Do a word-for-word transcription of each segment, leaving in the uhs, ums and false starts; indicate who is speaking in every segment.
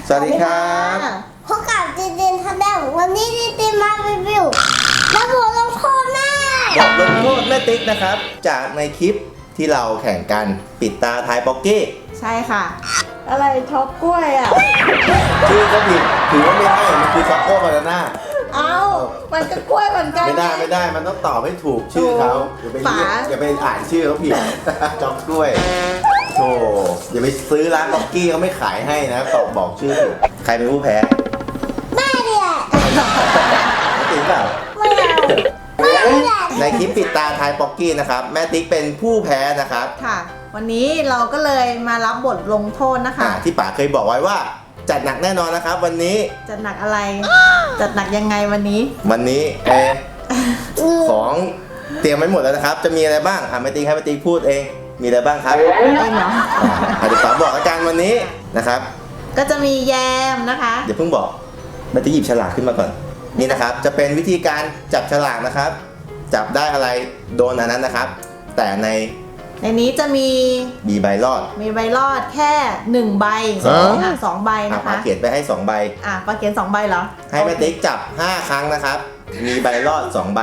Speaker 1: สวัสดีครับ
Speaker 2: พบกับจีจีนทันแดงวันนี้จีจีนมารีวิวแล้วบทลงโทษแม่
Speaker 1: บทลงโทษแม่ติ๊กนะครับจากในคลิปที่เราแข่งกันปิดตาทายป๊อกกี้
Speaker 3: ใช่ค่ะ อะไรช็อกกล้วยอ่ะ
Speaker 1: ชื่อก็ผิดถือว่าไม่ให้มันคือช็อกโกบานาน่า
Speaker 3: เอ้ามันก็กล้วยเหมือนกัน
Speaker 1: ไม่ได้ไม่ได้มันต้องตอบให้ถูกชื่อเขาอย่าไปอย่าไปอ่านชื่อเขาผิดช็อกกล้วยโธ่อย่าไปซื้อร้านป๊อกกี้เขาไม่ขายให้นะตอบบอกชื่อถูกใครเป็นผู้แพ้
Speaker 2: แม่เนี่ย
Speaker 1: ไม่ติ๊กเปล่า
Speaker 2: ไม่เอาไม่เอา
Speaker 1: ในคลิปปิดตาทายป๊อกกี้นะครับแม่ติ๊กเป็นผู้แพ้นะครับ
Speaker 3: ค่ะวันนี้เราก็เลยมารับบทลงโทษนะคะ
Speaker 1: ที่ป๋าเคยบอกไว้ว่าจัดหนักแน่นอนนะครับวันนี้
Speaker 3: จัดหนักอะไรจัดหนักยังไงวันนี้
Speaker 1: วันนี้เอของเตรียมไว้หมดแล้วนะครับจะมีอะไรบ้างอ่ะแม่ติ๊กให้แม่ติ๊กพูดเองมีอะไรบ้างครับ
Speaker 3: เองเหรอ
Speaker 1: อ่ะเดี๋ยวป๋าบอกอาการวันนี้นะครับ
Speaker 3: ก็จะมีแยมนะคะ
Speaker 1: เดี๋ยวเพิ่งบอกแม่ติ๊กหยิบฉลากขึ้นมาก่อนนี่นะครับจะเป็นวิธีการจับฉลากนะครับจับได้อะไรโดนอันนั้นนะครับแต่ใน
Speaker 3: ในนี้จะมี
Speaker 1: มีใบรอด
Speaker 3: มีใบรอดแค่หนึ่งใบสองอ่ะสองใบนะคะ
Speaker 1: ป๋าเขียนไปให้สองใบ
Speaker 3: อ่ะป๋าเขียนสองใบเหรอ
Speaker 1: ให้แม่ติ๊กจับห้าครั้งนะครับมีใบรอดสองใบ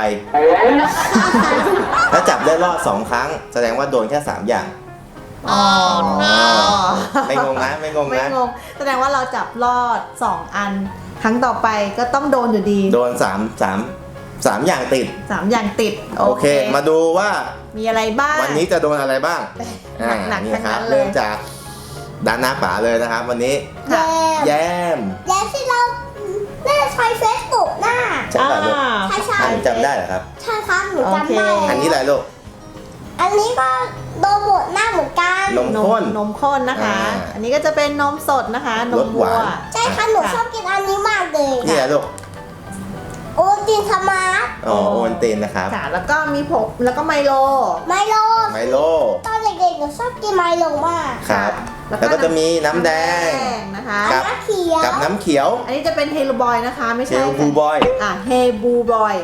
Speaker 1: ถ้าจับได้รอดสองครั้งแสดงว่าโดนแค่สามอย่าง
Speaker 3: อ๋อ
Speaker 1: ไม่งงนะไม่งงนะ
Speaker 3: ไม่งงแสดงว่าเราจับรอดสองอันครั้งต่อไปก็ต้องโดนอยู่ดี
Speaker 1: โดนสามสามสามอย่างติด
Speaker 3: สามอย่างติด
Speaker 1: โอเคมาดูว่า
Speaker 3: มีอะไรบ้าง
Speaker 1: วันนี้จะโดนอะไรบ้าง
Speaker 3: หนักๆ
Speaker 1: นี่ครับเริ่มจากด้านหน้าป๋าเลยนะครับวันนี้แย้ม
Speaker 2: แย้มที่เราได้ใช้เฟซบุ๊กหน้า
Speaker 1: ใช่ป่ะลูกใช่ใช่จำได้เหรอครับ
Speaker 2: ใช่ครับหนูจำได้
Speaker 1: อันนี้อะไรลูก
Speaker 2: อันนี้ก็โดนบดหน้าเหมือนกัน
Speaker 1: นมข้น
Speaker 3: นมข้นนะคะอันนี้ก็จะเป็นนมสดนะคะนมวัว
Speaker 2: ใช่ค่ะหนูชอบกินอันนี้มากเลย
Speaker 1: นี่แหละลูก
Speaker 2: โอตินสมาร์ท
Speaker 1: อ๋อโอนเตนนะครับ
Speaker 3: ค่ะแล้วก็มีผงแล้วก็ไมโล
Speaker 2: ไมโล
Speaker 1: ไมโล
Speaker 2: ตอนเด็กๆหนูชอบกินไมโลมาก
Speaker 1: ครับแล้วก็จะมีน้ำแดง
Speaker 3: นะคะ
Speaker 1: กับน้ำเขียวกับน้ำเขียว
Speaker 3: อันนี้จะเป็นเฮลูบอยนะคะไม่ใช่
Speaker 1: เฮลูบอย
Speaker 3: อ่ะเฮบูบอย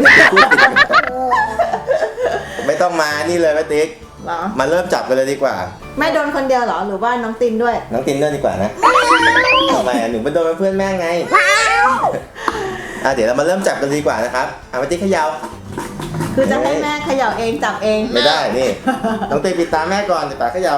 Speaker 1: ไม่ต้องมานี่เลยแม่ติ๊กมาเริ่มจับกันเลยดีกว่า
Speaker 3: แม่โดนคนเดียวเหรอหรือว่าน้องตินด้วย
Speaker 1: น้องตินด้วยดีกว่านะทำไมหนูไปโดนเพื่อนแม่ไงอ่ะเดี๋ยวเรามาเริ่มจับกันดีกว่านะครับอ่ะแม่ติ๊กเขย่า
Speaker 3: คือจะให้แม่เขย่าเองจับเอง
Speaker 1: ไม่ได้นี่น้องตินปิดตาแม่ก่อนเดี๋ยวป๋าเขย่า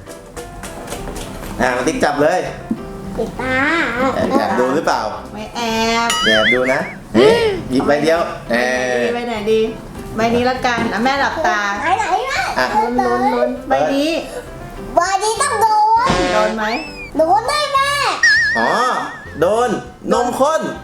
Speaker 1: อ่ะแม่ติ๊กจับเลย
Speaker 2: ปิดตา
Speaker 1: แอบดูหรือเปล่า
Speaker 3: ไม่แอบ
Speaker 1: แอบดูนะหยิบใบเดียว
Speaker 3: เออใบไหนดีใบนี้ละกันอ่ะแม่หลับตา
Speaker 2: ไหนไหน
Speaker 3: อ่ะลุ้นลุ้นลุ้นใบนี้
Speaker 2: ใบนี้ต้องโดน
Speaker 3: โดนไหม
Speaker 2: โดนได้แม่
Speaker 1: อ๋อโดนนมข้น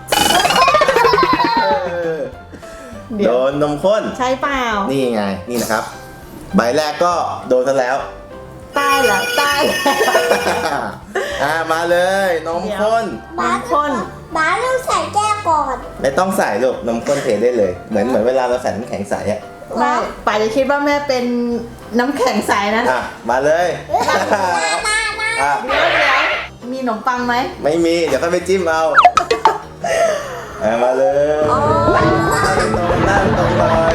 Speaker 1: โดนนมข้น
Speaker 3: ใช่เปล่า
Speaker 1: นี่ไงนี่นะครับใบแรกก็โดนซะแล้ว
Speaker 3: ตายเหรอตาย
Speaker 1: อ่ามาเลยนมข้น
Speaker 3: นมข้น
Speaker 2: บ้าต้องใส่แก้วก่อน
Speaker 1: ไม่ต้องใส่ลูกนมข้นเทได้เลยเหมือนเหมือนเวลาเราใส่น้ำแข็งใสอ่ะ
Speaker 3: ไม่ป่าจะคิดว่าแม่เป็นน้ำแข็งใสนะ
Speaker 1: อ่ะมาเลย
Speaker 3: อ่ะเดี๋ยวเดี๋ยวมีขนมปังไหม
Speaker 1: ไม่มีเดี๋ยวก็ไปจิ้มเอาอ่ะมาเลยนั่งตรงเลย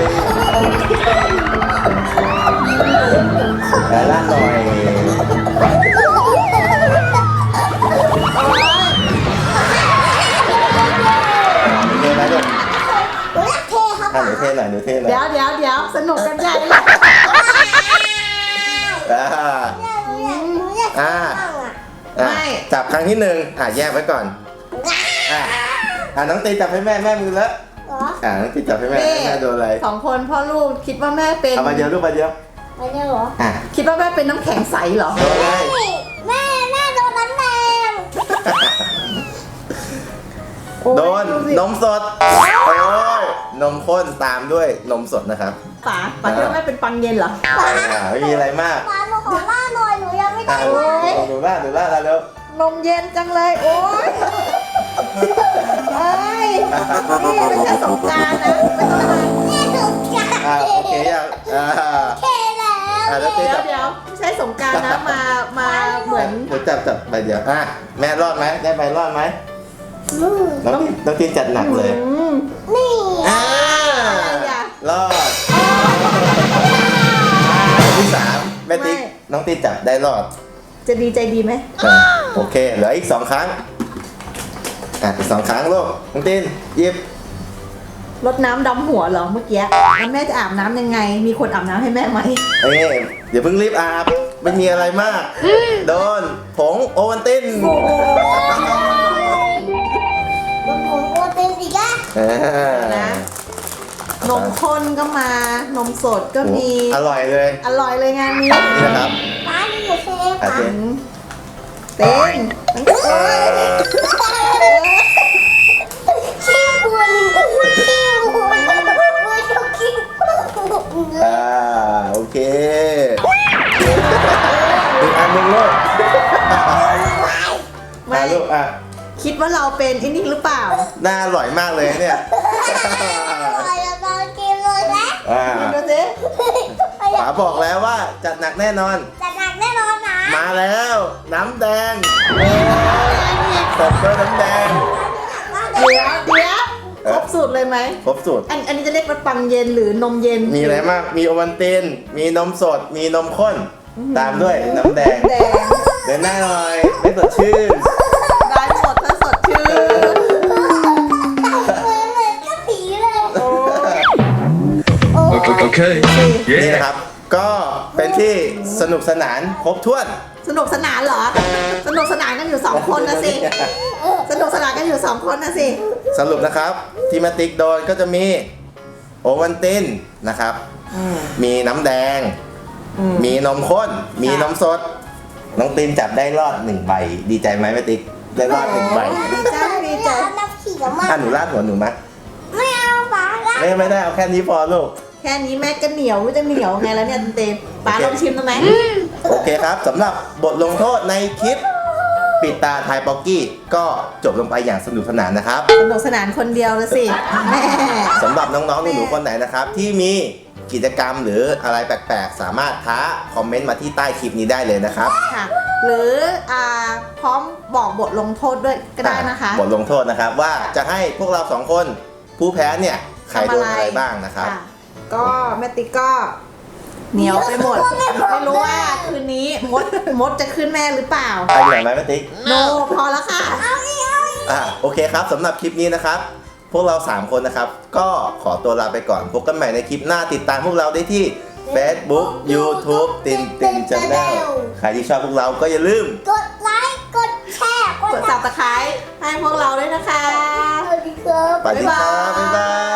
Speaker 1: แล้วล่างหน่อยหนูเทหน่อยหนูเทหน่อย
Speaker 3: เดี๋ยวเดี๋ยวเดี๋ยวสนุกกันใหญ่เลย
Speaker 1: อ่าไม่จับครั้งที่หนึ่งอ่ะแยกไว้ก่อนอ่ะอ่ะน้องตีจับให้แม่แม่มือแล้วอ่ะน้องตีจับให้แม่แม่โดนอะไร
Speaker 3: สองคนพ่อลูกคิดว่าแม่เป็น
Speaker 1: เอามาเดียวลูกมาเดียว
Speaker 2: มาเดียวเหรอ
Speaker 3: อ่ะคิดว่าแม่เป็นน้ำแข็งใสเหรอ
Speaker 1: โดนอะไร
Speaker 2: แม่แม่โดนน้ำแดง
Speaker 1: โดนนมสดโอ้ยนมข้นตามด้วยนมสดนะครับ
Speaker 3: ป๋าป๋าคิดว่าแม่เป็นปังเย็นเหรอ
Speaker 1: ไม่มีอะไรมาก
Speaker 2: ป๋าหนูขอล่าหน่อยหนูยังไม่ได้
Speaker 1: เลยหนูล่าหนูล่าแล้ว
Speaker 3: นมเย็นจังเลยโอ้ยเอ้ยนี่ไม่ใช่สงกรานต์นะ
Speaker 2: นี่สงกรานต์
Speaker 1: อ่าโอเคยังอ่า
Speaker 2: โอเคแล้ว
Speaker 3: เดี๋ยวเดี๋ยวไม่ใช่สงกรานต์นะมามาเหมือน
Speaker 1: เดี๋ยวจับจับไปเดี๋ยวอ่ะแม่รอดไหมได้ไปรอดไหมน้องน้องตีนจัดหนักเลย
Speaker 2: นี่
Speaker 1: อ่ารอดที่สามแม่ติ๊กน้องตีนจับได้รอด
Speaker 3: จะดีใจดีไหม
Speaker 1: โอเคเหลืออีกสองครั้งอ่ะอีกสองครั้งลูกน้องตินหยิบ
Speaker 3: รดน้ำดำหัวเหรอเมื่อกี้แล้วแม่จะอาบน้ำยังไง มีคนอาบน้ำให้แม่ไหม
Speaker 1: เอ้ยเดี๋ยวเพิ่งรีบอาบไม่มีอะไรมากโดนผงโอวัลติน
Speaker 2: แล้วผมก็เต้นอีกอ่ะ
Speaker 1: อ่า
Speaker 3: นะนมข้นก็มา นมสดก็มี
Speaker 1: อร่อยเลย
Speaker 3: อร่อยเลยงานนี้
Speaker 1: นี่นะครับ
Speaker 2: ป้านี่หนูเซฟ
Speaker 1: อ่ะ
Speaker 2: ค่ะ
Speaker 1: เจน
Speaker 3: เต้น
Speaker 2: ขี้กวนขี้กวนไม่ชอบขี้กวน
Speaker 1: อ่าโอเคอีกอันหนึ่งลูก
Speaker 3: ไม่
Speaker 1: มาลูกอ่ะ
Speaker 3: คิดว่าเราเป็นไอ้นี่หรือเปล่า
Speaker 1: น่าอร่อยมากเลยเนี่ย
Speaker 2: เราตอนกินเลยนะ
Speaker 1: อ่า
Speaker 3: ดูสิ
Speaker 1: ป๋าบอกแล้วว่าจัดหนักแน่นอน
Speaker 2: จะหนักแน่นอนนะ
Speaker 1: มาแล้วน้ำแดงเสิร์ฟด้วยน้ำแดง
Speaker 3: เดี๋ยวเดี๋ยวครบสูตรเลยไหม
Speaker 1: ครบสูตร
Speaker 3: อันอันนี้จะเรียกว่าปังเย็นหรือนมเย็น
Speaker 1: มีอะไรมากมีโอวัลตินมีนมสดมีนมข้น ตามด้วยน้ำแดง
Speaker 3: แดง
Speaker 1: เดินหน้าหน่อยไม่สดชื่น
Speaker 3: ได้หมดถ้าสดชื่น
Speaker 2: เหมือนกับผีเลย
Speaker 3: โอ้
Speaker 4: Okay. okay.
Speaker 1: นี่
Speaker 4: Yeah.
Speaker 1: นะครับ ก็เป็นที่สนุกสนานครบถ้วน
Speaker 3: สนุกสนานเหรอ สนุกสนานกันอยู่สองคนนะสิ สนุกสนานกันอยู่สองคนนะสิ
Speaker 1: สรุปนะครับที่มาติ๊กโดนก็จะมีโอวัลตินนะครับ
Speaker 3: อืม
Speaker 1: มีน้ำแดง
Speaker 3: อืม
Speaker 1: มีนมข้น มี
Speaker 3: ค่ะ
Speaker 1: นมสด น้องตินจับได้รอดหนึ่งใบ ดีใจไหมแม่ติ๊ก ได้รอดหนึ่งใบ
Speaker 3: ดีใจดีใจ
Speaker 2: เอาน้ำผีกับมัน
Speaker 1: อ่ะหนูลาดหัวหนูมะ
Speaker 2: ไม่เอาป้าละ
Speaker 1: ไม่ไม่ได้เอาแค่นี้พอลูก
Speaker 3: แค่นี้แม่ก็เหนียวจะเหนียวไงแล้วเนี่ยเต็มๆป๋าลองชิมได้ไหม
Speaker 1: โอเคครับสำหรับบทลงโทษในคลิป ปิดตาทายป๊อกกี้ก็จบลงไปอย่างสนุกสนานนะครับ
Speaker 3: สนุกสนานคนเดียวละสิแม่
Speaker 1: สำหรับน้องๆหนูๆคนไหนนะครับ ที่มีกิจกรรมหรืออะไรแปลกๆ สามารถท้าคอมเมนต์มาที่ใต้คลิปนี้ได้เลยนะครับ
Speaker 3: ค่ะ หรืออ่าพร้อมบอกบทลงโทษด้วยก็ได้นะคะ
Speaker 1: บทลงโทษนะครับว่าจะให้พวกเราสองคนผู้แพ้เนี่ยใครโดนอะไรบ้างนะครับ
Speaker 3: ค่ะก็แม่ติ๊กก็เหนียวไปหมด ไม่รู้ว่าคืนนี้มดมดจะขึ้นแม่หรือเปล่า
Speaker 1: ไปเหนื่อยไหมแม่ติ๊ก
Speaker 3: โนพอแล้วค่ะ
Speaker 2: เอาอีกเอาอีก
Speaker 1: อ่าโอเคครับสำหรับคลิปนี้นะครับ พวกเราสามคนนะครับ ก็ขอตัวลาไปก่อนพบกันใหม่ในคลิปหน้าติดตามพวกเราได้ที่ Facebook YouTube ตินติน Channel ใครที่ชอบพวกเราก็อย่าลืม
Speaker 2: กดไลค์กดแชร์
Speaker 3: กด subscribe ให้พวกเราด้วยนะคะ
Speaker 2: สวัสดีครับ
Speaker 1: สวัสดีครับบ๊ายบาย